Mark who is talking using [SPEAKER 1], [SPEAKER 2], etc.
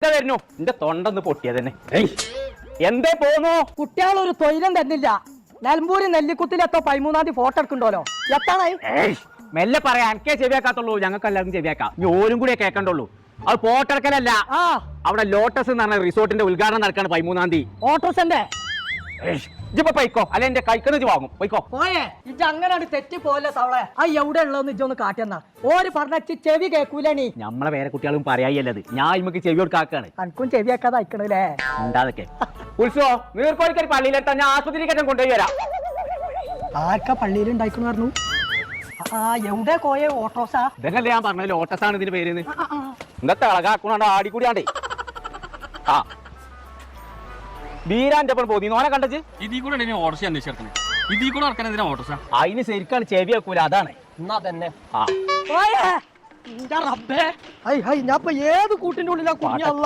[SPEAKER 1] വരുന്നു എന്റെ തൊണ്ടൊന്ന് പൊട്ടിയ തന്നെ എന്തേ പോന്നു
[SPEAKER 2] കുട്ടികളൊരു തൊയിലും തന്നില്ല. നെൽമ്പൂരി നെല്ലിക്കുത്തിലെത്തോ 13-ാം തീയതി ഫോട്ടോ എടുക്കണ്ടല്ലോ. എത്താണായി
[SPEAKER 1] മെല്ലെ പറയാ എനിക്കേ ചെവിയാക്കാത്തുള്ളൂ, ഞങ്ങൾക്ക് എല്ലാവർക്കും ചെവിയാക്കാം. ഇനി ഓരും കൂടിയേ കേൾക്കണ്ടുള്ളൂ. അത് ഫോട്ടെടുക്കലല്ല, അവിടെ ലോട്ടസ് എന്ന് പറഞ്ഞ റിസോർട്ടിന്റെ ഉദ്ഘാടനം നടക്കാണ് 13-ാം തീയതി.
[SPEAKER 2] ഓട്ടോസന്റെ
[SPEAKER 1] ഇജിപ്പോ പൈക്കോ അല്ലെ എന്റെ കൈക്കന്ന് വാങ്ങും പോയിക്കോ.
[SPEAKER 2] പോയേ ഇജ്ജ് അങ്ങനെ തെറ്റി പോലെ തവളെ. ആ എവിടെ ഉള്ളതെന്ന് ഇജ്ജൊന്ന് കാട്ടിയെന്നാ. ഓര് പറഞ്ഞ ചെവി കേൾക്കൂലേ.
[SPEAKER 1] നമ്മളെ വേറെ കുട്ടികളും പറയാല്ലത്, ഞാൻ ഇമ്മക്ക് ചെവി കൊടുക്കാക്കാണ്.
[SPEAKER 2] അനക്കും ചെവിയാക്കാതെ അയക്കണല്ലേ
[SPEAKER 1] ഉണ്ടാതൊക്കെ. ഉത്സവോ നീർക്കോലിക്കൊരു പള്ളിയിലെത്താൻ ഞാൻ ആശുപത്രിക്ക് കൊണ്ടുപോയി വരാം.
[SPEAKER 2] ആർക്കാ പള്ളിയിൽ ഉണ്ടായിക്കണു പറഞ്ഞു. എവിടെ കോയെ ഓട്ടോസാ?
[SPEAKER 1] ഇതല്ലേ ഞാൻ പറഞ്ഞ ലോട്ടസ് ആണ് ഇതിന്റെ പേര്. ഇന്നത്തെ അളകാക്കണോ ആടിക്കൂടിയാണ്ടേ. ആ ബീരാന്റെ ഒപ്പം പോയി നോനെ കണ്ടച്ച്
[SPEAKER 3] ഇതിൽ കൂടെ ഓട്ടോസ് അന്വേഷിച്ചേ. ഇതിൽ കൂടെ നടക്കാൻ എന്തിനാ ഓട്ടോസാ?
[SPEAKER 1] അതിന് ശരിക്കാണ് ചെവി വെക്കൂല, അതാണ്.
[SPEAKER 2] എന്നാ തന്നെ
[SPEAKER 1] ആ
[SPEAKER 2] ഞാൻ ഏത് കൂട്ടിന്റെ ഉള്ളിലാ കുഞ്ഞ